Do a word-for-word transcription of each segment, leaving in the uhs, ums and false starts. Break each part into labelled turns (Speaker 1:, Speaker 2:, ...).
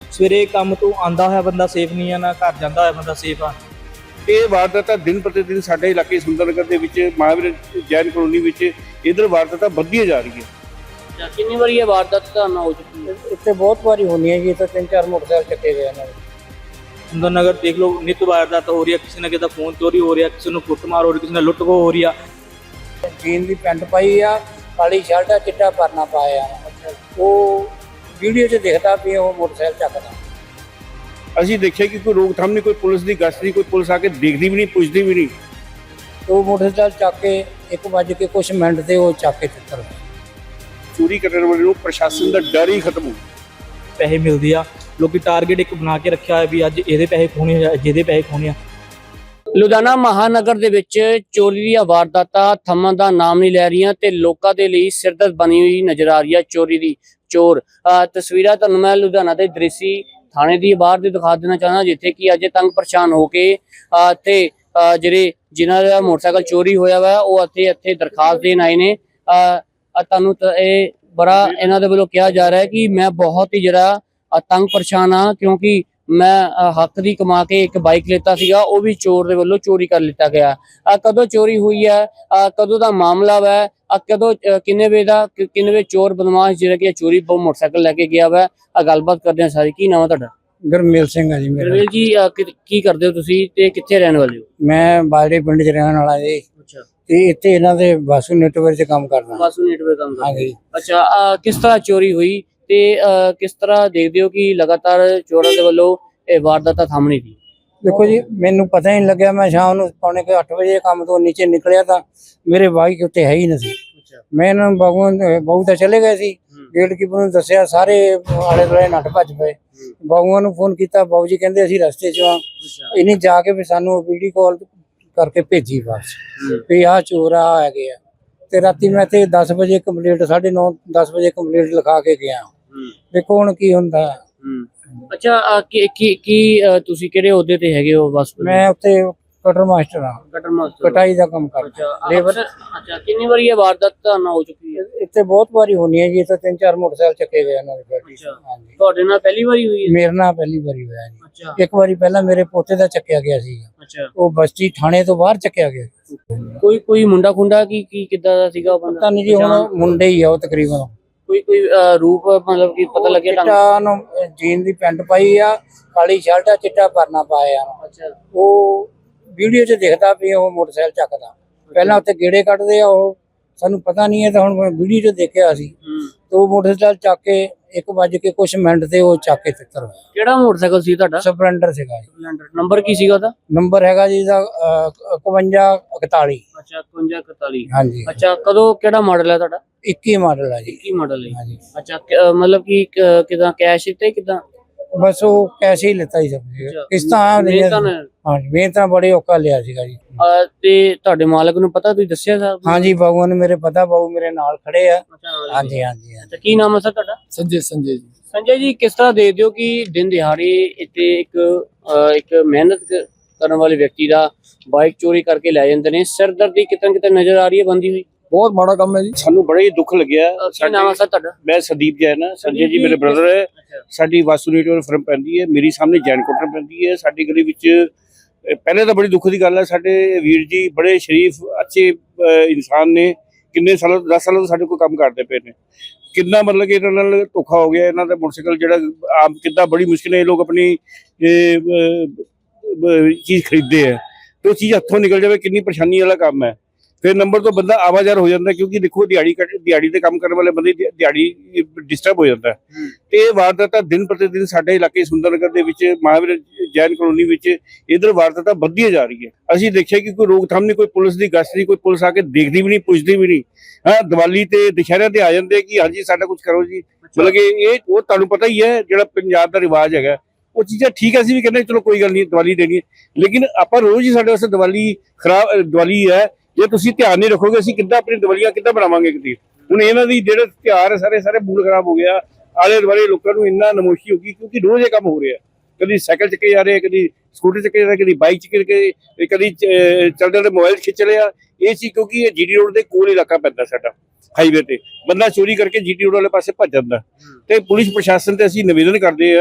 Speaker 1: ਸਵੇਰੇ ਕੰਮ ਤੋਂ ਆਉਂਦਾ ਹੋਇਆ ਬੰਦਾ ਸੇਫ ਨਹੀਂ ਆ, ਨਾ ਘਰ ਜਾਂਦਾ ਹੋਇਆ ਬੰਦਾ ਸੇਫ ਆ।
Speaker 2: ਇਹ ਵਾਰਦਾਤਾਂ ਦਿਨ ਪ੍ਰਤੀ ਦਿਨ ਸਾਡੇ ਇਲਾਕੇ ਸੁੰਦਰਨਗਰ ਦੇ ਵਿੱਚ ਮਹਾਵੀਰ ਜੈਨ ਕਲੋਨੀ ਵਿੱਚ ਇਧਰ ਵਾਰਦਾਤਾਂ ਵੱਧਦੀਆਂ ਜਾ ਰਹੀ ਹੈ।
Speaker 3: ਕਿੰਨੀ ਵਾਰੀ ਇਹ ਵਾਰਦਾਤ ਤੁਹਾਨੂੰ ਹੋ ਚੁੱਕੀ ਹੈ?
Speaker 4: ਇੱਥੇ ਬਹੁਤ ਵਾਰੀ ਹੋਣੀ ਹੈ ਜੀ। ਇੱਥੇ ਤਿੰਨ ਚਾਰ ਮੋਟਰਸਾਈਕਲ ਚੱਕੇ ਗਏ ਇਹਨਾਂ ਦੇ।
Speaker 1: ਸੁੰਦਰਨਗਰ ਦੇਖ ਲਓ, ਨਿਤ ਵਾਰਦਾਤ ਹੋ ਰਹੀ ਹੈ। ਕਿਸੇ ਨਾ ਕਿਸੇ ਦਾ ਫੋਨ ਚੋਰੀ ਹੋ ਰਿਹਾ, ਕਿਸੇ ਨੂੰ ਕੁੱਟਮਾਰ ਹੋ ਰਹੀ, ਕਿਸੇ ਨਾਲ ਲੁੱਟ ਖੋਹ ਹੋ ਰਹੀ ਆ।
Speaker 4: ਜੀਨ ਦੀ ਪੈਂਟ ਪਾਈ ਆ, ਕਾਲੀ ਸ਼ਰਟ ਆ, ਚਿੱਟਾ ਪਰਨਾ ਪਾਇਆ। ਉਹ ਵੀਡੀਓ 'ਚ ਦਿਖਦਾ ਵੀ ਉਹ ਮੋਟਰਸਾਈਕਲ ਚੱਕਦਾ।
Speaker 2: ਅਸੀਂ ਦੇਖਿਆ ਕਿ ਕੋਈ ਰੋਕਥਾਮ ਨਹੀਂ, ਕੋਈ ਪੁਲਿਸ ਦੀ ਗਸ਼ਤ ਨਹੀਂ, ਕੋਈ ਪੁਲਿਸ ਆ ਕੇ ਦੇਖਦੀ ਵੀ ਨਹੀਂ, ਪੁੱਛਦੀ ਵੀ ਨਹੀਂ।
Speaker 4: ਉਹ ਮੋਟਰਸਾਈਕਲ ਚੱਕ ਕੇ ਇੱਕ ਵੱਜ ਕੇ ਕੁਛ ਮਿੰਟ ਤੇ ਉਹ ਚੱਕ ਕੇ ਚਿੱਤਰ
Speaker 2: ਚੋਰੀ ਕਰਨ ਵਾਲੇ ਨੂੰ ਪ੍ਰਸ਼ਾਸਨ ਦਾ ਡਰ ਹੀ ਖਤਮ ਹੋ ਗਿਆ।
Speaker 1: ਪੈਸੇ ਮਿਲਦੇ ਆ, ਲੋਕੀ ਟਾਰਗੇਟ ਇੱਕ ਬਣਾ ਕੇ ਰੱਖਿਆ ਹੋਇਆ ਵੀ ਅੱਜ ਇਹਦੇ ਪੈਸੇ ਖੋਣੇ ਆ, ਜਿਹਦੇ ਪੈਸੇ ਖੋਣੇ ਆ।
Speaker 3: ਲੁਧਿਆਣਾ ਮਹਾਨਗਰ ਦੇ ਵਿੱਚ ਚੋਰੀ ਦੀਆਂ ਵਾਰਦਾਤਾਂ ਥੰਮਣ ਦਾ ਨਾਮ ਨਹੀਂ ਲੈ ਰਹੀਆਂ ਤੇ ਲੋਕਾਂ ਦੇ ਲਈ ਸਿਰਦਰਦ ਬਣੀ ਹੋਈ ਨਜ਼ਰ ਆ ਰਹੀ ਹੈ ਚੋਰੀ ਦੀ ਚੋਰ। ਤਸਵੀਰਾਂ ਤੁਹਾਨੂੰ ਮੈਂ ਲੁਧਿਆਣਾ ਦੇ ਦ੍ਰਿਸ਼ੀ ਥਾਣੇ ਦੀ ਬਾਹਰ ਦੇ ਦਿਖਾ ਦੇਣਾ ਚਾਹੁੰਦਾ, ਜਿੱਥੇ ਕਿ ਅੱਜ ਤੰਗ ਪਰੇਸ਼ਾਨ ਹੋ ਕੇ ਤੇ ਜਿਹੜੇ ਜਿਨ੍ਹਾਂ ਦਾ ਮੋਟਰਸਾਈਕਲ ਚੋਰੀ ਹੋਇਆ ਵਾ ਉਹ ਇੱਥੇ ਇੱਥੇ ਦਰਖਾਸਤ ਦੇਣ ਆਏ ਨੇ। ਤੁਹਾਨੂੰ ਇਹ ਬੜਾ ਇਹਨਾਂ ਦੇ ਵੱਲੋਂ ਕਿਹਾ ਜਾ ਰਿਹਾ ਹੈ ਕਿ ਮੈਂ ਬਹੁਤ ਹੀ ਜਿਹੜਾ ਤੰਗ ਪਰੇਸ਼ਾਨ ਆ, ਕਿਉਂਕਿ ਮੈਂ ਹੱਕ ਦੀ ਕਮਾ ਕੇ ਇੱਕ ਬਾਈਕ ਲੈਤਾ ਸੀਗਾ, ਉਹ ਵੀ ਚੋਰ ਦੇ ਵੱਲੋਂ ਚੋਰੀ ਕਰ ਲਿੱਤਾ ਗਿਆ। ਕਦੋਂ ਚੋਰੀ ਹੋਈ ਹੈ, ਕਦੋਂ ਦਾ ਮਾਮਲਾ ਵਾ, ਕਦੋਂ ਕਿੰਨੇ ਵਜੇ ਦਾ ਕਿੰਨੇ ਵਜੇ ਚੋਰ ਬਦਮਾਸ਼ ਜਿਹੜਾ ਕਿ ਚੋਰੀ ਮੋਟਰਸਾਈਕਲ ਲੈ ਕੇ ਗਿਆ ਵਾ, ਗੱਲਬਾਤ ਕਰਦੇ ਹਾਂ ਸਾਰੀ। ਕੀ ਨਾਮ ਹੈ ਤੁਹਾਡਾ?
Speaker 4: ਗੁਰਮੇਲ ਸਿੰਘ ਆ ਜੀ ਮੇਰਾ।
Speaker 3: ਗੁਰਮੇਲ ਜੀ, ਕੀ ਕਰਦੇ ਹੋ ਤੁਸੀਂ ਤੇ ਕਿੱਥੇ ਰਹਿਣ ਵਾਲੇ ਹੋ?
Speaker 4: ਮੈਂ ਬਾਜਰੇ ਪਿੰਡ 'ਚ ਰਹਿਣ ਵਾਲਾ ਜੀ।
Speaker 3: ਅੱਛਾ,
Speaker 4: ਤੇ ਇੱਥੇ ਇਹਨਾਂ ਦੇ ਬਾਸੂ ਨੈਟਵਰਕ 'ਚ ਕੰਮ ਕਰਦਾ।
Speaker 3: ਬਾਸੂ ਨੈਟਵਰਕ ਕੰਮ ਕਰਦੇ?
Speaker 4: ਹਾਂਜੀ।
Speaker 3: ਅੱਛਾ, ਕਿਸ ਤਰ੍ਹਾਂ ਚੋਰੀ ਹੋਈ ਤੇ ਕਿਸ ਤਰ੍ਹਾਂ ਦੇਖਦੇ ਹੋ ਕਿ ਲਗਾਤਾਰ ਚੋਰਾਂ ਦੇ ਵੱਲੋਂ ਇਹ ਵਾਰਦਾਤਾਂ ਥੰਮਣੀ ਸੀ?
Speaker 4: ਦੇਖੋ ਜੀ, ਮੈਨੂੰ ਪਤਾ ਹੀ ਨਹੀਂ ਲੱਗਿਆ। ਮੈਂ ਸ਼ਾਮ ਨੂੰ ਪੌਣੇ ਕੁ ਅੱਠ ਵਜੇ ਕੰਮ ਤੋਂ ਨੀਚੇ ਨਿਕਲਿਆ ਤਾਂ ਮੇਰੇ ਬਾਈਕ ਉੱਤੇ ਹੈ ਹੀ ਨਹੀਂ ਸੀ। ਮੈਂ ਇਹਨਾਂ ਨੂੰ ਬਾਬੂ ਬਾਬੂ ਤਾਂ ਚਲੇ ਗਏ ਸੀ, ਗੇਟ ਕੀਪਰ ਨੂੰ ਦੱਸਿਆ, ਸਾਰੇ ਆਲੇ ਦੁਆਲੇ ਨੱਠ ਭੱਜ ਪਏ। ਬਾਬੂਆਂ ਨੂੰ ਫੋਨ ਕੀਤਾ, ਬਾਬੂ ਜੀ ਕਹਿੰਦੇ ਅਸੀਂ ਰਸਤੇ 'ਚ ਆ। ਇਹਨੇ ਜਾ ਕੇ ਵੀ ਸਾਨੂੰ ਵੀਡੀਓ ਕਾਲ ਕਰਕੇ ਭੇਜੀ ਬਸ ਵੀ ਆਹ ਚੋਰ ਆ ਹੈਗੇ ਆ। ਤੇ ਰਾਤੀ ਮੈਂ ਤੇ ਦਸ ਵਜੇ ਕੰਪਲੀਟ ਸਾਢੇ ਨੌ ਦਸ ਵਜੇ ਕੰਪਲੀਟ ਲਿਖਾ ਕੇ ਗਿਆ। ਦੇਖੋ ਹੁਣ ਕੀ ਹੁੰਦਾ।
Speaker 3: ਅੱਛਾ, ਕੀ ਕੀ ਕੀ ਤੁਸੀਂ ਕਿਹੜੇ ਅਹੁਦੇ ਤੇ ਹੈਗੇ ਹੋ? ਬਸ
Speaker 4: ਮੈਂ ਉੱਥੇ ਕਟਰ ਮਾਸਟਰ ਆ,
Speaker 3: ਕਟਰ ਮਾਸਟਰ,
Speaker 4: ਕਟਾਈ ਦਾ ਕੰਮ ਕਰਦਾ ਲੇਬਰ।
Speaker 3: ਅੱਛਾ, ਕਿੰਨੀ ਵਾਰੀ ਇਹ ਵਾਰਦਾਤ ਤੁਹਾਨੂੰ ਹੋ ਚੁੱਕੀ ਹੈ?
Speaker 4: ਇੱਥੇ ਬਹੁਤ ਵਾਰੀ ਹੋਣੀ ਹੈ ਜੀ। ਇੱਥੇ ਤਿੰਨ ਚਾਰ ਮੋਟਰਸਾਈਕਲ ਚੱਕੇ ਗਏ ਇਹਨਾਂ ਦੇ।
Speaker 3: ਹਾਂਜੀ। ਤੁਹਾਡੇ ਨਾਲ ਪਹਿਲੀ ਵਾਰੀ ਹੋਈ ਹੈ?
Speaker 4: ਮੇਰੇ ਨਾਲ ਪਹਿਲੀ ਵਾਰੀ ਹੋਇਆ ਜੀ।
Speaker 3: ਅੱਛਾ,
Speaker 4: ਇੱਕ ਵਾਰੀ ਪਹਿਲਾਂ ਮੇਰੇ ਪੋਤੇ ਦਾ ਚੱਕਿਆ ਗਿਆ ਸੀ।
Speaker 3: ਅੱਛਾ,
Speaker 4: ਉਹ ਬਸਤੀ ਥਾਣੇ ਤੋਂ ਬਾਹਰ ਚੱਕਿਆ ਗਿਆ।
Speaker 3: ਕੋਈ ਕੋਈ ਮੁੰਡਾ ਖੁੰਡਾ ਕੀ ਕੀ ਕਿੱਦਾਂ ਦਾ ਸੀਗਾ ਉਹ ਬੰਦਾ?
Speaker 4: ਪਤਾ ਨਹੀਂ ਜੀ, ਹੁਣ ਮੁੰਡੇ ਹੀ ਆ ਉਹ ਤਕਰੀਬਨ।
Speaker 3: ਕੋਈ ਕੋਈ ਰੂਪ ਮਤਲਬ ਕੀ ਪਤਾ ਲੱਗਿਆ ਤੁਹਾਨੂੰ?
Speaker 4: ਚਿੱਟਾ ਨੂੰ ਜੀਨ ਦੀ ਪੈਂਟ ਪਾਈ ਆ, ਕਾਲੀ ਸ਼ਰਟ ਆ, ਚਿੱਟਾ ਪਰਨਾ ਪਾਇਆ।
Speaker 3: ਅੱਛਾ,
Speaker 4: ਉਹ ਵੀਡੀਓ 'ਚ ਦਿਖਦਾ ਵੀ ਉਹ ਮੋਟਰਸਾਈਕਲ ਚੱਕਦਾ। ਪਹਿਲਾਂ ਉੱਥੇ ਗੇੜੇ ਕੱਢਦੇ ਆ ਉਹ, ਸਾਨੂੰ ਪਤਾ ਨਹੀਂ ਹੈ। ਤਾਂ ਹੁਣ ਵੀਡੀਓ 'ਚ ਦੇਖਿਆ ਸੀ। ਤੇ ਉਹ ਮੋਟਰਸਾਈਕਲ ਚੱਕ ਕੇ ਇੱਕ ਵੱਜ ਕੇ ਕੁਛ ਮਿੰਟ ਤੇ ਉਹ ਚੱਕ ਕੇ ਤਿੱਤਰ ਹੋਇਆ।
Speaker 3: ਕਿਹੜਾ ਮੋਟਰਸਾਈਕਲ ਸੀ ਤੁਹਾਡਾ?
Speaker 4: ਸਪਲੈਂਡਰ ਸੀਗਾ ਜੀ।
Speaker 3: ਨੰਬਰ ਕੀ ਸੀਗਾ ਉਹਦਾ?
Speaker 4: ਨੰਬਰ ਹੈਗਾ ਜੀ ਦਾ ਇਕਵੰਜਾ ਇਕਤਾਲੀ।
Speaker 3: ਅੱਛਾ, ਇਕਵੰਜਾ ਇਕਤਾਲੀ।
Speaker 4: ਹਾਂਜੀ।
Speaker 3: ਅੱਛਾ, ਕਦੋਂ ਕਿਹੜਾ ਮਾਡਲ ਹੈ ਤੁਹਾਡਾ?
Speaker 4: ਇੱਕੀ ਮਾਡਲ ਆ ਜੀ।
Speaker 3: ਇੱਕੀ ਮਾਡਲ ਹੈ?
Speaker 4: ਹਾਂਜੀ।
Speaker 3: ਅੱਛਾ, ਮਤਲਬ ਕਿ ਕਿਦਾਂ ਕੈਸ਼ ਤੇ ਕਿਦਾਂ?
Speaker 4: ਬਸ ਉਹ ਕੈਸੇ ਹੀ ਲੈਤਾ ਹੀ ਸਭ ਕਿਸ਼ਤਾਂ ਆ ਨਹੀਂ। ਹਾਂਜੀ, ਮੈਂ ਤਾਂ ਬੜੇ ਔਖਾ ਲਿਆ ਸੀਗਾ ਜੀ।
Speaker 3: ਤੇ ਤੁਹਾਡੇ ਮਾਲਕ ਨੂੰ ਪਤਾ, ਤੁਸੀਂ ਦੱਸਿਆ ਸਾਹਿਬ?
Speaker 4: ਹਾਂਜੀ, ਬਾਬੂਆਂ ਨੂੰ ਮੇਰੇ ਪਤਾ, ਬਾਬੂ ਮੇਰੇ ਨਾਲ ਖੜੇ ਆ। ਹਾਂਜੀ ਹਾਂਜੀ।
Speaker 3: ਅੱਛਾ, ਕੀ ਨਾਮ ਹੈ ਸਰ ਤੁਹਾਡਾ?
Speaker 4: ਸੰਜੇ ਸੰਜੇ ਜੀ।
Speaker 3: ਸੰਜੇ ਜੀ, ਕਿਸ ਤਰ੍ਹਾਂ ਦੇਖਦੇ ਹੋ ਕਿ ਦਿਨ ਦਿਹਾੜੇ ਇੱਥੇ ਇੱਕ ਇੱਕ ਮਿਹਨਤ ਕਰਨ ਵਾਲੇ ਵਿਅਕਤੀ ਦਾ ਬਾਈਕ ਚੋਰੀ ਕਰਕੇ ਲੈ ਜਾਂਦੇ ਨੇ? ਸਿਰਦਰਦੀ ਕਿਤੇ ਕਿਤੇ ਨਜ਼ਰ ਆ ਰਹੀ ਹੈ ਬੰਦੀ ਹੋਈ।
Speaker 4: ਬਹੁਤ ਮਾੜਾ ਕੰਮ ਹੈ ਜੀ।
Speaker 2: ਸਾਨੂੰ ਬੜਾ ਹੀ ਦੁੱਖ ਲੱਗਿਆ।
Speaker 3: ਕੀ ਨਾਮ ਹੈ ਸਰ ਤੁਹਾਡਾ?
Speaker 2: ਮੈਂ ਸੰਦੀਪ ਜੈਨ ਆ। ਸੰਜੇ ਜੀ ਮੇਰੇ ਬ੍ਰਦਰ ਹੈ। ਸਾਡੀ ਵਾਸੂ ਨੈਟਵਰਕ ਫਰਮ ਪੈਂਦੀ ਹੈ, ਮੇਰੀ ਸਾਹਮਣੇ ਜੈਨ ਕੋਟਰ ਪੈਂਦੀ ਹੈ। ਸਾਡੀ ਗਲੀ ਵਿੱਚ ਪਹਿਲੇ ਤਾਂ ਬੜੀ ਦੁੱਖ ਦੀ ਗੱਲ ਹੈ, ਸਾਡੇ ਵੀਰ ਜੀ ਬੜੇ ਸ਼ਰੀਫ ਅੱਛੇ ਇਨਸਾਨ ਨੇ। ਕਿੰਨੇ ਸਾਲਾਂ ਦਸ ਸਾਲਾਂ ਤੋਂ ਸਾਡੇ ਕੋਲ ਕੰਮ ਕਰਦੇ ਪਏ ਨੇ। ਕਿੰਨਾ ਮਤਲਬ ਕਿ ਇਹਨਾਂ ਨਾਲ ਧੋਖਾ ਹੋ ਗਿਆ। ਇਹਨਾਂ ਦਾ ਮੋਟਰਸਾਈਕਲ ਜਿਹੜਾ ਆਮ ਕਿੱਦਾਂ ਬੜੀ ਮੁਸ਼ਕਿਲ ਇਹ ਲੋਕ ਆਪਣੀ ਚੀਜ਼ ਖਰੀਦਦੇ ਆ ਤੇ ਉਹ ਚੀਜ਼ ਹੱਥੋਂ ਨਿਕਲ ਜਾਵੇ, ਕਿੰਨੀ ਪਰੇਸ਼ਾਨੀ ਵਾਲਾ ਕੰਮ ਹੈ। ਫਿਰ ਨੰਬਰ ਤੋਂ ਬੰਦਾ ਆਵਾਜ਼ਾਰ ਹੋ ਜਾਂਦਾ, ਕਿਉਂਕਿ ਦੇਖੋ ਦਿਹਾੜੀ ਦਿਹਾੜੀ ਤੇ ਕੰਮ ਕਰਨ ਵਾਲੇ ਬੰਦੇ ਦਿਹਾੜੀ ਡਿਸਟਰਬ ਹੋ ਜਾਂਦਾ। ਤੇ ਇਹ ਵਾਰਦਾਤਾਂ ਦਿਨ ਪ੍ਰਤੀ ਦਿਨ ਸਾਡੇ ਇਲਾਕੇ ਸੁੰਦਰਨਗਰ ਦੇ ਵਿੱਚ ਮਹਾਵੀਰ ਜੈਨ ਕਲੋਨੀ ਵਿੱਚ ਇਧਰ ਵਾਰਦਾਤਾਂ ਵੱਧਦੀਆਂ ਜਾ ਰਹੀ ਹੈ। ਅਸੀਂ ਦੇਖਿਆ ਕਿ ਕੋਈ ਰੋਕਥਾਮ ਨਹੀਂ, ਕੋਈ ਪੁਲਿਸ ਦੀ ਗਸ਼ਤ ਨਹੀਂ, ਕੋਈ ਪੁਲਿਸ ਆ ਕੇ ਦੇਖਦੀ ਵੀ ਨਹੀਂ, ਪੁੱਛਦੀ ਵੀ ਨਹੀਂ। ਹਾਂ, ਦੀਵਾਲੀ ਤੇ ਦੁਸ਼ਹਿਰਿਆਂ ਤੇ ਆ ਜਾਂਦੇ ਕਿ ਹਾਂਜੀ ਸਾਡਾ ਕੁਝ ਕਰੋ ਜੀ। ਮਤਲਬ ਕਿ ਇਹ ਉਹ ਤੁਹਾਨੂੰ ਪਤਾ ਹੀ ਹੈ ਜਿਹੜਾ ਪੰਜਾਬ ਦਾ ਰਿਵਾਜ ਹੈਗਾ, ਉਹ ਚੀਜ਼ਾਂ ਠੀਕ ਹੈ। ਅਸੀਂ ਵੀ ਕਹਿੰਦੇ ਚਲੋ ਕੋਈ ਗੱਲ ਨਹੀਂ, ਦੀਵਾਲੀ ਦੇਣੀ ਹੈ, ਲੇਕਿਨ ਆਪਾਂ ਰੋਜ਼ ਹੀ ਸਾਡੇ ਵਾਸਤੇ ਦੀਵਾਲੀ ਖਰਾਬ ਦੀਵਾਲੀ ਹੈ। ਜੇ ਤੁਸੀਂ ਧਿਆਨ ਨਹੀਂ ਰੱਖੋਗੇ ਅਸੀਂ ਕਿੱਦਾਂ ਆਪਣੀ ਦੀਵਾਲੀਆਂ ਕਿੱਦਾਂ ਬਣਾਵਾਂਗੇ ਕਿਤੇ। ਹੁਣ ਇਹਨਾਂ ਦੀ ਜਿਹੜੇ ਤਿਉਹਾਰ ਸਾਰੇ ਸਾਰੇ ਮੂਡ ਖਰਾਬ ਹੋ ਗਿਆ। ਆਲੇ ਦੁਆਲੇ ਲੋਕਾਂ ਨੂੰ ਇੰਨਾ ਨਮੋਸ਼ੀ ਹੋ ਗਈ, ਕਿਉਂਕਿ ਰੋਜ਼ ਇਹ ਕੰਮ ਹੋ ਰਿਹਾ। ਕਦੀ ਸਾਈਕਲ ਚੱਕੇ ਜਾ ਰਹੇ, ਕਦੀ ਸਕੂਟਰ ਚੱਕੇ ਜਾ ਰਹੇ, ਕਦੀ ਬਾਈਕ ਚੱਕੇ ਕੇ, ਕਦੀ ਚੱਲਦੇ ਚੱਲਦੇ ਮੋਬਾਈਲ ਖਿੱਚ ਲਿਆ। ਇਹ ਸੀ ਕਿਉਂਕਿ ਇਹ ਜੀਡੀ ਰੋਡ ਦੇ ਕੋਲ ਇਲਾਕਾ ਪੈਂਦਾ ਸਾਡਾ, ਹਾਈਵੇ ਤੇ ਬੰਦਾ ਚੋਰੀ ਕਰਕੇ ਜੀਡੀ ਰੋਡ ਵਾਲੇ ਪਾਸੇ ਭੱਜ ਜਾਂਦਾ। ਤੇ ਪੁਲਿਸ ਪ੍ਰਸ਼ਾਸਨ ਤੇ ਅਸੀਂ ਨਿਵੇਦਨ ਕਰਦੇ ਆ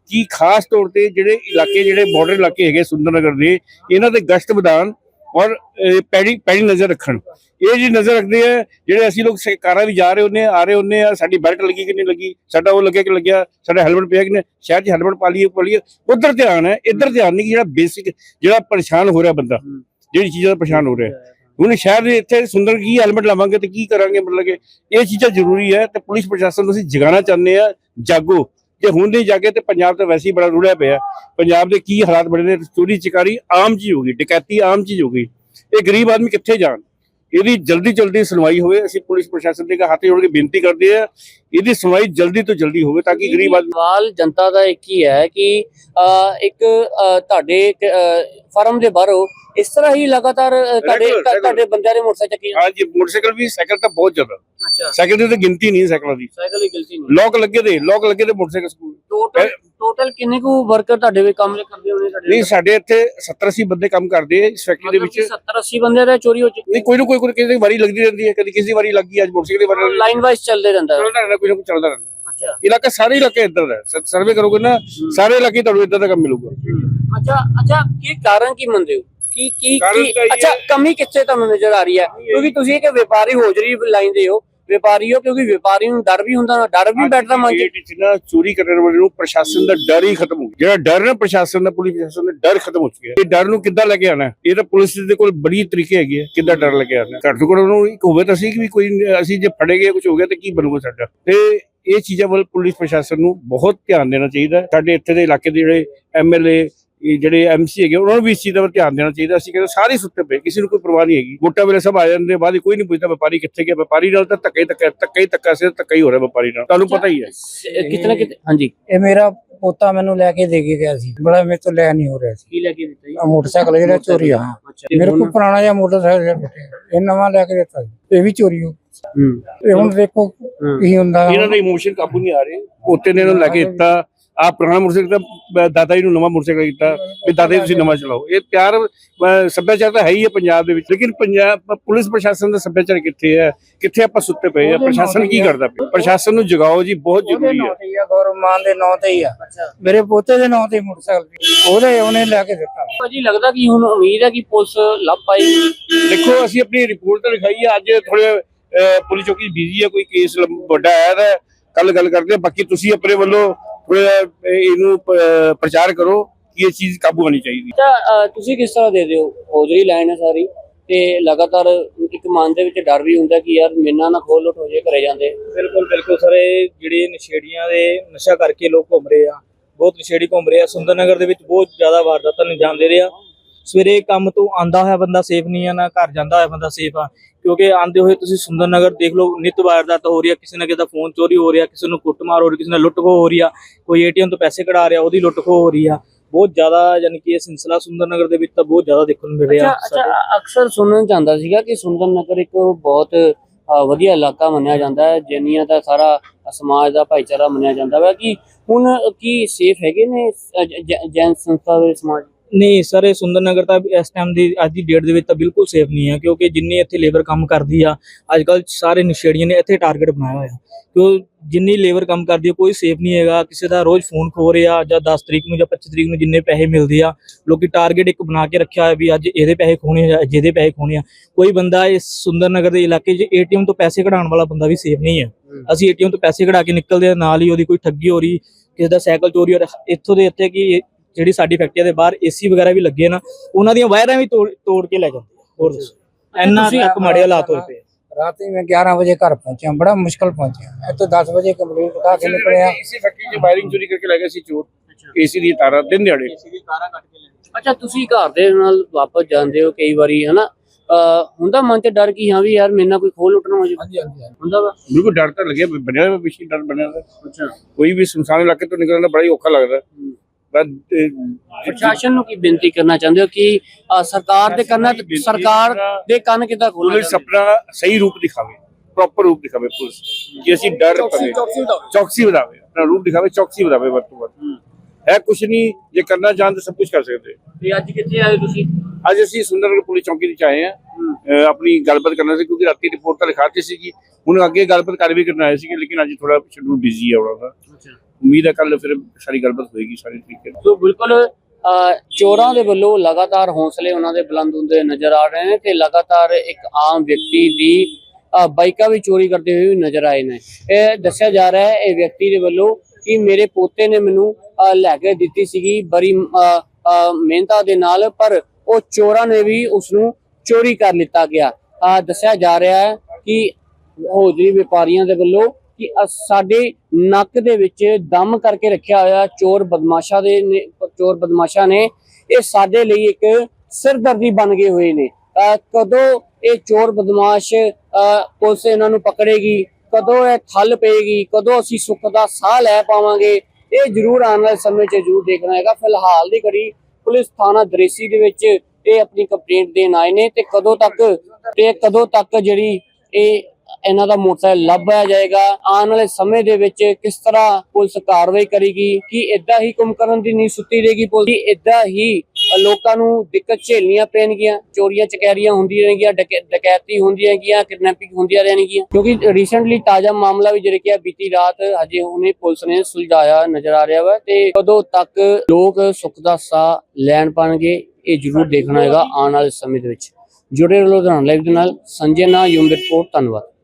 Speaker 2: ਕਿ ਖਾਸ ਤੌਰ ਤੇ ਜਿਹੜੇ ਇਲਾਕੇ ਜਿਹੜੇ ਬਾਰਡਰ ਇਲਾਕੇ ਹੈਗੇ ਸੁੰਦਰ ਨਗਰ ਦੇ, ਇਹਨਾਂ ਤੇ ਗਸ਼ਤ ਵਧਾਉਣ ਔਰ ਅਹ, ਪੈੜੀ ਪੈੜੀ ਨਜ਼ਰ ਰੱਖਣ। ਇਹ ਜੀ ਨਜ਼ਰ ਰੱਖਦੇ ਆ ਜਿਹੜੇ ਅਸੀਂ ਲੋਕ ਸ- ਕਾਰਾਂ ਵੀ ਜਾ ਰਹੇ ਹੁੰਦੇ ਆ, ਆ ਰਹੇ ਹੁੰਦੇ ਆ, ਸਾਡੀ ਬੈਲਟ ਲੱਗੀ ਕਿ ਨਹੀਂ ਲੱਗੀ, ਸਾਡਾ ਉਹ ਲੱਗਿਆ ਕਿ ਲੱਗਿਆ, ਸਾਡਾ ਹੈਲਮਟ ਪਿਆ ਕਿ ਨਹੀਂ, ਸ਼ਹਿਰ 'ਚ ਹੈਲਮਟ ਪਾ ਲਈਏ ਪਾ ਲਈਏ, ਉਧਰ ਧਿਆਨ ਹੈ, ਇੱਧਰ ਧਿਆਨ ਨਹੀਂ ਕਿ ਜਿਹੜਾ ਬੇਸਿਕ ਜਿਹੜਾ ਪਰੇਸ਼ਾਨ ਹੋ ਰਿਹਾ ਬੰਦਾ, ਜਿਹੜੀ ਚੀਜ਼ਾਂ ਦਾ ਪਰੇਸ਼ਾਨ ਹੋ ਰਿਹਾ। ਹੁਣ ਸ਼ਹਿਰ ਦੇ ਇੱਥੇ ਸੁੰਦਰ ਕੀ ਹੈਲਮਟ ਲਾਵਾਂਗੇ ਤੇ ਕੀ ਕਰਾਂਗੇ, ਮਤਲਬ ਕਿ ਇਹ ਚੀਜ਼ਾਂ ਜ਼ਰੂਰੀ ਹੈ ਤੇ ਪੁਲਿਸ ਪ੍ਰਸ਼ਾਸਨ ਨੂੰ ਅਸੀਂ ਜਗਾਉਣਾ ਚਾਹੁੰਦੇ ਆ, ਜਾਗੋ। ਜੇ ਹੁਣ ਨਹੀਂ ਜਾਗੇ ਤੇ ਪੰਜਾਬ ਤਾਂ ਵੈਸੇ ਹੀ ਬੜਾ ਰੁੜਿਆ ਪਿਆ। ਪੰਜਾਬ ਦੇ ਕੀ ਹਾਲਾਤ ਬਣੇ ਨੇ, ਚੋਰੀ ਚਕਾਰੀ ਆਮ ਚੀਜ਼ ਹੋ ਗਈ, ਡਕੈਤੀ ਆਮ ਚੀਜ਼ ਹੋ ਗਈ। ਇਹ ਗਰੀਬ ਆਦਮੀ ਕਿੱਥੇ ਜਾਣ? ਇਹਦੀ ਜਲਦੀ ਜਲਦੀ ਸੁਣਵਾਈ ਹੋਵੇ। ਅਸੀਂ ਪੁਲਿਸ ਪ੍ਰਸ਼ਾਸਨ ਦੇ ਹੱਥ ਜੋੜ ਕੇ ਬੇਨਤੀ ਕਰਦੇ ਆ, ਇਹਦੀ ਸੁਣਵਾਈ ਜਲਦੀ ਤੋਂ ਜਲਦੀ ਹੋਵੇ ਤਾਂ ਕਿ ਗਰੀਬ ਆਦਮੀ।
Speaker 3: ਸਵਾਲ ਜਨਤਾ ਦਾ ਇੱਕ ਹੀ ਹੈ ਕਿ ਅਹ, ਇੱਕ ਅਹ, ਤੁਹਾਡੇ ਫਰਮ ਦੇ ਬਾਹਰੋਂ ਇਸ ਤਰ੍ਹਾਂ ਹੀ ਲਗਾਤਾਰ ਅਹ, ਤੁਹਾਡੇ
Speaker 2: Regular, regular।
Speaker 3: ਤੁਹਾਡੇ ਬੰਦਿਆਂ ਦੇ ਮੋਟਰਸਾਈਕਲ ਚੱਕੀ
Speaker 2: ਹਾਂ ਜੀ, ਮੋਟਰਸਾਈਕਲ ਵੀ, ਸਾਈਕਲ ਤਾਂ ਬਹੁਤ ਜ਼ਿਆਦਾ।
Speaker 3: ਅੱਛਾ,
Speaker 2: ਸਾਈਕਲ ਦੀ ਤਾਂ ਗਿਣਤੀ ਨਹੀਂ ਸਾਈਕਲਾਂ ਦੀ।
Speaker 3: ਸਾਈਕਲ ਹੀ ਗਲਤੀ ਨਹੀਂ।
Speaker 2: ਲੋਕ ਲੱਗੇ ਦੇ ਲੋਕ ਲੱਗੇ ਦੇ ਮੋਟਰਸਾਈਕਲ ਸਕੂਲ।
Speaker 3: ਟੋਟਲ ਟੋਟਲ ਕਿੰਨੇ ਕੁ ਵਰਕਰ ਤੁਹਾਡੇ ਵਿੱਚ ਕੰਮ ਕਰਦੇ ਹੋਣੇ ਤੁਹਾਡੇ?
Speaker 2: ਨਹੀਂ, ਸਾਡੇ ਇੱਥੇ ਸੱਤਰ ਅੱਸੀ ਬੰਦੇ ਕੰਮ ਕਰਦੇ ਆ ਇਸ ਫੈਕਟਰੀ ਦੇ ਵਿੱਚ।
Speaker 3: ਸੱਤਰ ਅੱਸੀ ਬੰਦੇ ਦਾ ਚੋਰੀ ਹੋ ਚੁੱਕੀ?
Speaker 2: ਨਹੀਂ, ਕੋਈ ਨਾ ਕੋਈ ਕੋਈ ਕਿਸੇ ਦੀ ਵਾਰੀ ਲੱਗਦੀ ਰਹਿੰਦੀ ਹੈ, ਕਦੀ ਕਿਸੇ ਦੀ ਵਾਰੀ ਲੱਗੀ, ਅੱਜ ਮੋਟਰਸਾਈਕਲ ਦੀ ਵਾਰੀ
Speaker 3: ਲਾਈਨ ਵਾਈਜ਼ ਚੱਲਦੇ ਰਹਿੰਦਾ ਹੈ।
Speaker 2: ਚੱਲਦਾ ਰਹਿੰਦਾ, ਕੋਈ ਨਾ ਕੋਈ ਚੱਲਦਾ ਰਹਿੰਦਾ।
Speaker 3: ਅੱਛਾ
Speaker 2: ਇਲਾਕਾ ਸਾਰੇ ਇਲਾਕੇ ਇੱਧਰ ਦਾ ਹੈ। ਸਰਵੇ ਕਰੋਗੇ ਨਾ ਸਾਰੇ ਇਲਾਕੇ ਤੁਹਾਨੂੰ ਇੱਧਰ ਦਾ ਕੰਮ ਮਿਲੂਗਾ।
Speaker 3: ਅੱਛਾ ਅੱਛਾ, ਕੀ ਕਾਰਨ ਕੀ ਮੰਨਦੇ ਹੋ? ਕੀ ਕੀ
Speaker 2: ਕਾਰਨ
Speaker 3: ਕੀ
Speaker 2: ਤਾਂ ਇਹ
Speaker 3: ਅੱਛਾ,
Speaker 2: ਹੈ-
Speaker 3: ਕਮੀ ਕਿੱਥੇ ਤੁਹਾਨੂੰ ਨਜ਼ਰ ਆ ਰਹੀ ਹੈ? ਕਿਉਂਕਿ ਤੁਸੀਂ ਇੱਕ ਵਪਾਰੀ ਹੋਜਰੀ ਲਾਈਨ ਦੇ ਹੋ, ਵਪਾਰੀ ਹੋ, ਕਿਉਂਕਿ ਵਪਾਰੀ ਨੂੰ ਡਰ ਵੀ ਹੁੰਦਾ, ਡਰ ਵੀ ਬੈਠਦਾ ਮਨ 'ਚ।
Speaker 2: ਡੇਟ ਵਿੱਚ ਨਾ ਚੋਰੀ ਕਰਨ ਵਾਲੇ ਨੂੰ ਪ੍ਰਸ਼ਾਸਨ ਦਾ ਡਰ ਹੀ ਖਤਮ ਹੋ ਗਿਆ। ਜਿਹੜਾ ਡਰ ਨਾ ਪ੍ਰਸ਼ਾਸਨ ਦਾ, ਪੁਲਿਸ ਪ੍ਰਸ਼ਾਸਨ ਦਾ ਡਰ ਖਤਮ ਹੋ ਚੁੱਕਿਆ। ਇਹ ਡਰ ਨੂੰ ਕਿੱਦਾਂ ਲੈ ਕੇ ਆਣਾ? ਇਹ ਤਾਂ ਪੁਲਿਸ ਦੇ ਕੋਲ ਬੜੀ ਤਰੀਕੇ ਹੈਗੇ ਆ ਕਿੱਦਾਂ ਡਰ ਲੈ ਕੇ ਆਣਾ। ਘੱਟ ਤੋਂ ਘੱਟ ਉਹਨੂੰ ਇੱਕ ਹੋਵੇ ਤਾਂ ਸੀ ਕਿ ਵੀ ਕੋਈ ਅਸੀਂ ਜੇ ਫੜੇ ਗਏ ਕੁਝ ਹੋ ਗਿਆ ਤੇ ਕੀ ਬਣੂਗਾ ਸਾਡਾ। ਤੇ ਇਹ ਚੀਜ਼ਾਂ ਵੱਲ ਪੁਲਿਸ ਪ੍ਰਸ਼ਾਸਨ ਨੂੰ ਬਹੁਤ ਧਿਆਨ ਦੇਣਾ ਚਾਹੀਦਾ। ਸਾਡੇ ਇੱਥੇ ਦੇ ਇਲਾਕੇ ਦੇ ਜਿਹੜੇ ਐਮਐਲਏ, ਜਿਹੜੇ ਐਮਸੀ ਹੈਗੇ, ਉਹਨਾਂ ਨੂੰ ਵੀ ਇਸ ਚੀਜ਼ ਦਾ ਧਿਆਨ ਦੇਣਾ ਚਾਹੀਦਾ। ਅਸੀਂ ਕਹਿੰਦੇ ਸਾਰੇ ਸੁੱਤੇ ਪਏ, ਕਿਸੇ ਨੂੰ ਕੋਈ ਪਰਵਾਹ ਨਹੀਂ ਹੈਗੀ। ਵੋਟਾਂ ਵੇਲੇ ਸਭ ਆ ਜਾਂਦੇ, ਬਾਅਦ ਕੋਈ ਨਹੀਂ ਪੁੱਛਦਾ ਵਪਾਰੀ ਕਿੱਥੇ ਗਿਆ। ਵਪਾਰੀ ਨਾਲ ਤਾਂ ਧੱਕਾ ਹੀ ਧੱਕਾ ਧੱਕਾ ਹੀ ਧੱਕਾ ਸਿਰ ਧੱਕਾ ਹੀ ਹੋ ਰਿਹਾ ਵਪਾਰੀ ਨਾਲ, ਤੁਹਾਨੂੰ ਪਤਾ ਹੀ ਹੈ।
Speaker 3: ਕਿਤਨਾ ਕਿਤੇ ਹਾਂਜੀ।
Speaker 4: ਇਹ ਮੇਰਾ ਪੋਤਾ ਮੈਨੂੰ ਲੈ ਕੇ ਦੇ ਕੇ ਗਿਆ ਸੀ, ਬੜਾ ਮੇਰੇ ਤੋਂ ਲੈ ਨਹੀਂ ਹੋ ਰਿਹਾ ਸੀ।
Speaker 3: ਕੀ ਲੈ ਕੇ ਦਿੱਤਾ ਜੀ?
Speaker 4: ਆਹ ਮੋਟਰਸਾਈਕਲ ਜਿਹੜਾ ਚੋਰੀ ਆ। ਹਾਂ,
Speaker 3: ਅੱਛਾ,
Speaker 4: ਮੇਰੇ ਕੋਲ ਪੁਰਾਣਾ ਜਿਹਾ ਮੋਟਰਸਾਈਕਲ ਜਿਹਾ ਪਿਆ, ਇਹ ਨਵਾਂ ਲੈ ਕੇ ਦਿੱਤਾ ਸੀ, ਇਹ ਵੀ ਚੋਰੀ ਹੋ ਗਈ।
Speaker 3: ਹੂੰ
Speaker 4: ਇਹ ਹੁਣ ਦੇਖੋ ਕੀ ਹੁੰਦਾ।
Speaker 2: ਇਹਨਾਂ ਦਾ ਇਮੋਸ਼ਨ ਕਾਬੂ ਨਹੀਂ ਆ ਰਹੇ। ਪੋਤੇ ਨੇ ਇਹਨੂੰ ਲੈ ਕੇ ਦਿੱਤਾ, ਆ ਪੁਰਾਣਾ ਮੋਟਰਸਾਈਕਲ ਤਾਂ ਦਾਦਾ ਜੀ ਨੂੰ ਨਵਾਂ ਮੋਟਰਸਾਈਕਲ ਦਿੱਤਾ ਵੀ ਦਾਦਾ ਜੀ ਤੁਸੀਂ ਨਵਾਂ ਚਲਾਓ। ਇਹ ਪਿਆਰ ਅਹ, ਸੱਭਿਆਚਾਰ ਤਾਂ ਹੈ ਹੀ ਹੈ ਪੰਜਾਬ ਦੇ ਵਿੱਚ, ਲੇਕਿਨ ਪੰਜਾਬ ਪੁਲਿਸ ਪ੍ਰਸ਼ਾਸਨ ਦਾ ਸੱਭਿਆਚਾਰ ਕਿੱਥੇ ਹੈ? ਕਿੱਥੇ ਆਪਾਂ ਸੁੱਤੇ ਪਏ ਆ? ਪ੍ਰਸ਼ਾਸਨ ਕੀ ਕਰਦਾ ਪਿਆ? ਪ੍ਰਸ਼ਾਸਨ ਨੂੰ ਜਗਾਓ ਜੀ, ਬਹੁਤ
Speaker 4: ਉਹਦੇ
Speaker 2: ਜ਼ਰੂਰੀ
Speaker 4: ਨਾਂ
Speaker 2: ਹੈ।
Speaker 4: ਤੇ ਹੀ ਆ, ਗੌਰਵ ਮਾਨ ਦੇ ਨਾਂ ਤੇ ਹੀ ਆ। ਮੇਰੇ ਪੋਤੇ ਦੇ ਨਾਂ ਤੇ ਮੋਟਰਸਾਈਕਲ ਸੀ, ਉਹਦੇ ਉਹਨੇ ਲੈ ਕੇ ਦਿੱਤਾ।
Speaker 3: ਭਾਜੀ ਲੱਗਦਾ ਕਿ ਹੁਣ ਉਮੀਦ ਹੈ ਕਿ ਪੁਲਿਸ ਲੱਭ ਪਾਏਗੀ?
Speaker 2: ਦੇਖੋ, ਅਸੀਂ ਆਪਣੀ ਰਿਪੋਰਟ ਤਾਂ ਲਿਖਾਈ ਹੈ। ਅੱਜ ਥੋੜੇ ਪੁਲਿਸ ਚੌਕੀ ਬਿਜ਼ੀ ਹੈ, ਕੋਈ ਕੇਸ ਵੱਡਾ ਆਇਆ ਤਾਂ ਕੱਲ ਗੱਲ ਕਰਦੇ ਹਾਂ। ਬਾਕੀ ਤੁਸੀਂ ਆਪਣੇ ਵੱਲੋਂ ਥੋੜਾ ਇਹਨੂੰ ਪ- ਪ੍ਰਚਾਰ ਕਰੋ ਕਿ ਇਹ ਚੀਜ਼ ਕਾਬੂ ਆਣੀ ਚਾਹੀਦੀ।
Speaker 3: ਤਾਂ ਅਹ, ਤੁਸੀਂ ਕਿਸ ਤਰ੍ਹਾਂ ਦੇ ਦਿਓ? ਹੋਜਰੀ ਲਾਈਨ ਹੈ ਸਾਰੀ ਤੇ ਲਗਾਤਾਰ ਇੱਕ ਮਨ ਦੇ ਵਿੱਚ ਡਰ ਵੀ ਹੁੰਦਾ ਕਿ ਯਾਰ ਮੇਨਾ ਨਾ ਖੋਲ ਲੁੱਟ ਹੋ ਜੇ, ਘਰੇ ਜਾਂਦੇ।
Speaker 1: ਬਿਲਕੁਲ ਬਿਲਕੁਲ ਸਰ, ਇਹ ਜਿਹੜੇ ਨਸ਼ੇੜੀਆਂ ਦੇ ਨਸ਼ਾ ਕਰਕੇ ਲੋਕ ਘੁੰਮ ਰਹੇ ਆ, ਬਹੁਤ ਨਸ਼ੇੜੀ ਘੁੰਮ ਰਹੇ ਆ। ਸੁੰਦਰ ਨਗਰ ਦੇ ਵਿੱਚ ਬਹੁਤ ਜ਼ਿਆਦਾ ਵਾਰਦਾਤਾਂ ਨੂੰ ਅੰਜਾਮ ਦੇ ਰਹੇ ਆ। ਸਵੇਰੇ ਕੰਮ ਤੋਂ ਆਂਦਾ ਹੋਇਆ ਬੰਦਾ ਸੇਫ ਨਹੀਂ ਆ, ਨਾ ਘਰ ਜਾਂਦਾ ਹੋਇਆ ਬੰਦਾ ਸੇਫ ਆ। ਕਿਉਂਕਿ ਆਂਦੇ ਹੋਏ ਤੁਸੀਂ ਸੁੰਦਰ ਨਗਰ ਦੇਖ ਲਓ, ਨਿਤ ਵਾਰਦਾਤ ਹੋ ਰਹੀ ਆ। ਕਿਸੇ ਨਾ ਕਿਸੇ ਦਾ ਫੋਨ ਚੋਰੀ ਹੋ ਰਿਹਾ, ਕਿਸੇ ਨੂੰ ਕੁੱਟਮਾਰ ਹੋ ਰਹੀ, ਕਿਸੇ ਨਾਲ ਲੁੱਟ ਖੋਹ ਹੋ ਰਹੀ ਆ, ਕੋਈ ਏਟੀਐਮ ਤੋਂ ਪੈਸੇ ਕਢਾ ਰਿਹਾ, ਉਹਦੀ ਲੁੱਟ ਖੋਹ ਹੋ ਰਹੀ ਆ। ਬਹੁਤ ਜ਼ਿਆਦਾ, ਯਾਨੀ ਕਿ ਇਹ ਸਿਲਸਿਲਾ ਸੁੰਦਰ ਨਗਰ ਦੇ ਵਿੱਚ ਤਾਂ ਬਹੁਤ ਜ਼ਿਆਦਾ ਦੇਖਣ ਨੂੰ ਮਿਲ ਰਿਹਾ।
Speaker 3: ਅੱਛਾ ਅੱਛਾ, ਅਕਸਰ ਸੁਣਨ ਚ ਆਉਂਦਾ ਸੀਗਾ ਕਿ ਸੁੰਦਰ ਨਗਰ ਇੱਕ ਬਹੁਤ ਅਹ, ਵਧੀਆ ਇਲਾਕਾ ਮੰਨਿਆ ਜਾਂਦਾ ਹੈ, ਜੈਨੀਆਂ ਦਾ ਸਾਰਾ ਸਮਾਜ ਦਾ ਭਾਈਚਾਰਾ ਮੰਨਿਆ ਜਾਂਦਾ ਵਾ। ਕਿ ਹੁਣ ਕੀ ਸੇਫ ਹੈਗੇ ਨੇ ਅਹ, ਜ- ਜ- ਜੈਨ ਸੰਸਥਾ ਦੇ ਸਮਾਜ?
Speaker 1: ਨਹੀਂ ਸਰ, ਇਹ ਸੁੰਦਰ ਨਗਰ ਤਾਂ ਇਸ ਟਾਈਮ ਦੀ ਅੱਜ ਦੀ ਡੇਟ ਦੇ ਵਿੱਚ ਤਾਂ ਬਿਲਕੁਲ ਸੇਫ ਨਹੀਂ ਹੈ। ਕਿਉਂਕਿ ਜਿੰਨੀ ਇੱਥੇ ਲੇਬਰ ਕੰਮ ਕਰਦੀ ਆ, ਅੱਜ ਕੱਲ ਸਾਰੇ ਨਸ਼ੇੜੀਆਂ ਨੇ ਇੱਥੇ ਟਾਰਗੇਟ ਬਣਾਇਆ ਹੋਇਆ। ਕਿਉਂ ਜਿੰਨੀ ਲੇਬਰ ਕੰਮ ਕਰਦੀ ਹੈ, ਕੋਈ ਸੇਫ ਨਹੀਂ ਹੈਗਾ। ਕਿਸੇ ਦਾ ਰੋਜ਼ ਫੋਨ ਖੋ ਰਿਹਾ, ਜਾਂ ਦਸ ਤਰੀਕ ਨੂੰ ਜਾਂ ਪੱਚੀ ਤਰੀਕ ਨੂੰ ਜਿੰਨੇ ਪੈਸੇ ਮਿਲਦੇ ਆ, ਲੋਕੀ ਟਾਰਗੇਟ ਇੱਕ ਬਣਾ ਕੇ ਰੱਖਿਆ ਹੋਇਆ ਵੀ ਅੱਜ ਇਹਦੇ ਪੈਸੇ ਖੋਣੇ ਆ, ਅੱਜ ਇਹਦੇ ਪੈਸੇ ਖੋਣੇ ਆ। ਕੋਈ ਬੰਦਾ ਇਸ ਸੁੰਦਰ ਨਗਰ ਦੇ ਇਲਾਕੇ 'ਚ ਏਟੀਐਮ ਤੋਂ ਪੈਸੇ ਕਢਾਉਣ ਵਾਲਾ ਬੰਦਾ ਵੀ ਸੇਫ ਨਹੀਂ ਹੈ। ਅਸੀਂ ਏਟੀਐਮ ਤੋਂ ਪੈਸੇ ਕਢਾ ਕੇ ਨਿਕਲਦੇ ਆ, ਨਾਲ ਹੀ ਉਹਦੀ ਕੋਈ ਠੱਗੀ ਹੋ ਰਹੀ, ਕਿਸੇ ਦਾ ਸਾਈਕਲ ਚੋਰੀ ਹੋ ਰਿਹਾ। ਇੱਥੋਂ ਦੇ ਇੱਥੇ ਕਿ ਜਿਹੜੀ ਸਾਡੀ ਫੈਕਟਰੀ ਦੇ ਬਾਹਰ ਏਸੀ ਵਗੈਰਾ ਵੀ ਲੱਗੇ ਨਾ, ਉਹਨਾਂ ਦੀਆਂ ਵਾਇਰਾਂ ਵੀ ਤੋੜ ਤੋੜ ਕੇ ਲੈ ਜਾਂਦੇ। ਹੋਰ ਦੱਸੋ, ਇੰਨਾ ਤੱਕ ਮਾੜੇ ਹਾਲਾਤ ਹੋਏ ਪਏ।
Speaker 4: ਰਾਤੀ ਮੈਂ ਗਿਆਰਾਂ ਵਜੇ ਘਰ ਪਹੁੰਚਿਆ, ਬੜਾ ਮੁਸ਼ਕਲ ਪਹੁੰਚਿਆ। ਇੱਥੇ ਦਸ ਵਜੇ ਕੰਪਲੀਟ ਕਰਾ ਕੇ ਨਿਕਲਿਆ।
Speaker 2: ਇਸੇ ਫੈਕਟਰੀ 'ਚ ਵਾਇਰਿੰਗ ਚੋਰੀ ਕਰਕੇ ਲੈ ਗਏ ਸੀ ਚੋਰ, ਏਸੀ ਦੀ ਤਾਰਾਂ ਦਿਨ ਦਿਹਾੜੇ।
Speaker 3: ਅੱਛਾ, ਤੁਸੀਂ ਘਰ ਦੇ ਨਾਲ ਵਾਪਸ ਜਾਂਦੇ ਹੋ ਕਈ ਵਾਰੀ, ਹਨਾ? ਅਹ, ਹੁੰਦਾ ਮਨ ਚ ਡਰ ਕਿ ਹਾਂ ਵੀ ਯਾਰ ਮੇਰੇ ਨਾਲ ਕੋਈ ਖੋਲ ਲੁੱਟਣਾ ਹੋ ਜਾਵੇ?
Speaker 4: ਹਾਂਜੀ ਹਾਂਜੀ
Speaker 3: ਹੁੰਦਾ ਵਾ।
Speaker 2: ਬਿਲਕੁਲ ਡਰ ਤਾਂ ਲੱਗਿਆ, ਬਣਿਆ ਹੋਇਆ ਪਿੱਛੇ ਡਰ ਬਣਿਆ ਹੋਇਆ।
Speaker 3: ਅੱਛਾ,
Speaker 2: ਕੋਈ ਵੀ ਸੁਨਸਾਨ ਇਲਾਕੇ ਤੋਂ ਨਿਕਲਣਾ ਬੜਾ ਹੀ ਔਖਾ ਲੱਗਦਾ। ਬਸ
Speaker 3: ਪ੍ਰਸ਼ਾਸਨ ਨੂੰ ਕੀ ਬੇਨਤੀ ਕਰਨਾ ਚਾਹੁੰਦੇ ਹੋ ਕਿ ਅਹ, ਸਰਕਾਰ ਦੇ ਕੰਨਾਂ ਸਰਕਾਰ ਦੇ ਕੰਨ ਕਿੱਦਾਂ ਖੋਲ੍ਹਣਾ
Speaker 2: ਪੁਲਿਸ ਆਪਣਾ ਸਹੀ ਰੂਪ ਦਿਖਾਵੇ, ਪ੍ਰੋਪਰ ਰੂਪ ਦਿਖਾਵੇ ਪੁਲਿਸ, ਕਿ ਅਸੀਂ ਡਰ ਪਵੇ, ਚੌਕਸੀ ਵਧਾਵੇ, ਆਪਣਾ ਰੂਪ ਦਿਖਾਵੇ, ਚੌਕਸੀ ਵਧਾਵੇ ਵੱਧ ਤੋਂ ਵੱਧ। ਹੈ ਕੁਛ ਨਹੀਂ, ਜੇ ਕਰਨਾ ਚਾਹਣ ਤਾਂ ਸਭ ਕੁਝ ਕਰ ਸਕਦੇ।
Speaker 3: ਤੇ ਅੱਜ ਕਿੱਥੇ ਆਏ ਤੁਸੀਂ?
Speaker 2: ਅੱਜ ਅਸੀਂ ਸੁੰਦਰਨਗਰ ਪੁਲਿਸ ਚੌਂਕੀ ਵਿੱਚ ਆਏ ਹਾਂ ਅਹ ਆਪਣੀ ਗੱਲਬਾਤ ਕਰਨਾ ਸੀ, ਕਿਉਂਕਿ ਰਾਤੀ ਰਿਪੋਰਟ ਤਾਂ ਲਿਖਾਤੀ ਸੀਗੀ। ਹੁਣ ਅੱਗੇ ਗੱਲਬਾਤ ਕਰ ਵੀ ਕਰਨ ਆਏ ਸੀਗੇ, ਲੇਕਿਨ ਅੱਜ ਥੋੜਾ ਸ਼ਡਿਊਲ ਬਿਜ਼ੀ ਹੈ ਉਹਨਾਂ ਦਾ। ਉਮੀਦ ਹੈ ਕੱਲ ਫਿਰ ਸਾਰੀ ਗੱਲਬਾਤ ਹੋਏਗੀ ਸਾਰੇ ਤਰੀਕੇ ਨਾਲ।
Speaker 3: ਸੋ ਬਿਲਕੁਲ ਅਹ ਚੋਰਾਂ ਦੇ ਵੱਲੋਂ ਲਗਾਤਾਰ ਹੌਸਲੇ ਉਹਨਾਂ ਦੇ ਬੁਲੰਦ ਹੁੰਦੇ ਨਜ਼ਰ ਆ ਰਹੇ ਨੇ ਤੇ ਲਗਾਤਾਰ ਇੱਕ ਆਮ ਵਿਅਕਤੀ ਦੀ ਅਹ ਬਾਈਕਾਂ ਵੀ ਚੋਰੀ ਕਰਦੇ ਹੋਏ ਵੀ ਨਜ਼ਰ ਆਏ ਨੇ। ਇਹ ਦੱਸਿਆ ਜਾ ਰਿਹਾ ਹੈ ਇਹ ਵਿਅਕਤੀ ਦੇ ਵੱਲੋਂ ਕਿ ਮੇਰੇ ਪੋਤੇ ਨੇ ਮੈਨੂੰ ਅਹ ਲੈ ਕੇ ਦਿੱਤੀ ਸੀਗੀ ਬੜੀ ਅਹ, ਅਹ, ਮਿਹਨਤਾਂ ਦੇ ਨਾਲ, ਪਰ ਉਹ ਚੋਰਾਂ ਨੇ ਵੀ ਉਸ ਨੂੰ ਚੋਰੀ ਕਰ ਲਿੱਤਾ ਗਿਆ। ਅਹ ਦੱਸਿਆ ਜਾ ਰਿਹਾ ਹੈ ਕਿ ਹੋਜਰੀ ਵਪਾਰੀਆਂ ਦੇ ਵੱਲੋਂ ਕਿ ਅ- ਸਾਡੇ ਨੱਕ ਦੇ ਵਿੱਚ ਦਮ ਕਰਕੇ ਰੱਖਿਆ ਹੋਇਆ ਚੋਰ ਬਦਮਾਸ਼ਾਂ ਦੇ ਨੇ ਚੋਰ ਬਦਮਾਸ਼ਾਂ ਨੇ ਇਹ ਸਾਡੇ ਲਈ ਇੱਕ ਸਿਰਦਰਦੀ ਬਣ ਗਏ ਹੋਏ ਨੇ। ਅਹ ਕਦੋਂ ਇਹ ਚੋਰ ਬਦਮਾਸ਼ ਅਹ ਪੁਲਿਸ ਇਹਨਾਂ ਨੂੰ ਪਕੜੇਗੀ, ਕਦੋਂ ਇਹ ਠੱਲ ਪਏਗੀ, ਕਦੋਂ ਅਸੀਂ ਸੁੱਖ ਦਾ ਸਾਹ ਲੈ ਪਾਵਾਂਗੇ, ਇਹ ਜ਼ਰੂਰ ਆਉਣ ਵਾਲੇ ਸਮੇਂ 'ਚ ਜ਼ਰੂਰ ਦੇਖਣਾ ਹੈਗਾ। ਫਿਲਹਾਲ ਦੀ ਘੜੀ ਪੁਲਿਸ ਥਾਣਾ ਦਰੇਸੀ ਦੇ ਵਿੱਚ ਇਹ ਆਪਣੀ ਕੰਪਲੇਂਟ ਦੇਣ ਆਏ ਨੇ ਤੇ ਕਦੋਂ ਤੱਕ ਤੇ ਕਦੋਂ ਤੱਕ ਜਿਹੜੀ ਇਹ ਇਹਨਾਂ ਦਾ ਮੋਟਰਸਾਈਕਲ ਲੱਭਿਆ ਜਾਏਗਾ, ਆਉਣ ਵਾਲੇ ਸਮੇਂ ਦੇ ਵਿੱਚ ਕਿਸ ਤਰ੍ਹਾਂ ਪੁਲਿਸ ਕਾਰਵਾਈ ਕਰੇਗੀ, ਕਿ ਇਦਾਂ ਹੀ ਕੰਮ ਕਰਨ ਦੀ ਨਹੀਂ ਸੁੱਤੀ ਰਹੇਗੀ ਪੁਲਿਸ, ਇਦਾਂ ਹੀ ਲੋਕਾਂ ਨੂੰ ਦਿੱਕਤ ਝੇਲਣੀਆਂ ਪੈਣਗੀਆਂ, ਚੋਰੀਆਂ ਚਕੈਰੀਆਂ ਹੁੰਦੀਆਂ ਰਹਿਣਗੀਆਂ, ਡਕੈ- ਡਕੈਤੀ ਹੁੰਦੀਆਂ ਹੈਗੀਆਂ, ਕਿਡਨੈਪਿੰਗ ਹੁੰਦੀਆਂ ਰਹਿਣਗੀਆਂ। ਕਿਉਂਕਿ ਰੀਸੈਂਟਲੀ ਤਾਜ਼ਾ ਮਾਮਲਾ ਵੀ ਜਿਹੜਾ ਕਿ ਬੀਤੀ ਰਾਤ ਹਜੇ ਹੁਣੇ ਪੁਲਿਸ ਨੇ ਸੁਲਝਾਇਆ ਨਜ਼ਰ ਆ ਰਿਹਾ ਵਾ ਤੇ ਕਦੋਂ ਤੱਕ ਲੋਕ ਸੁੱਖ ਦਾ ਸਾਹ ਲੈਣ ਪਾਣਗੇ ਇਹ ਜ਼ਰੂਰ ਦੇਖਣਾ ਹੈਗਾ ਆਉਣ ਵਾਲੇ ਸਮੇਂ ਦੇ ਵਿੱਚ। ਜੁੜੇ ਰਹੋ ਲੁਧਿਆਣਾ ਲਾਈਵ ਦੇ ਨਾਲ। ਸੰਜੇ ਨਾ ਯੂਮ ਰਿਪੋਰਟ। ਧੰਨਵਾਦ।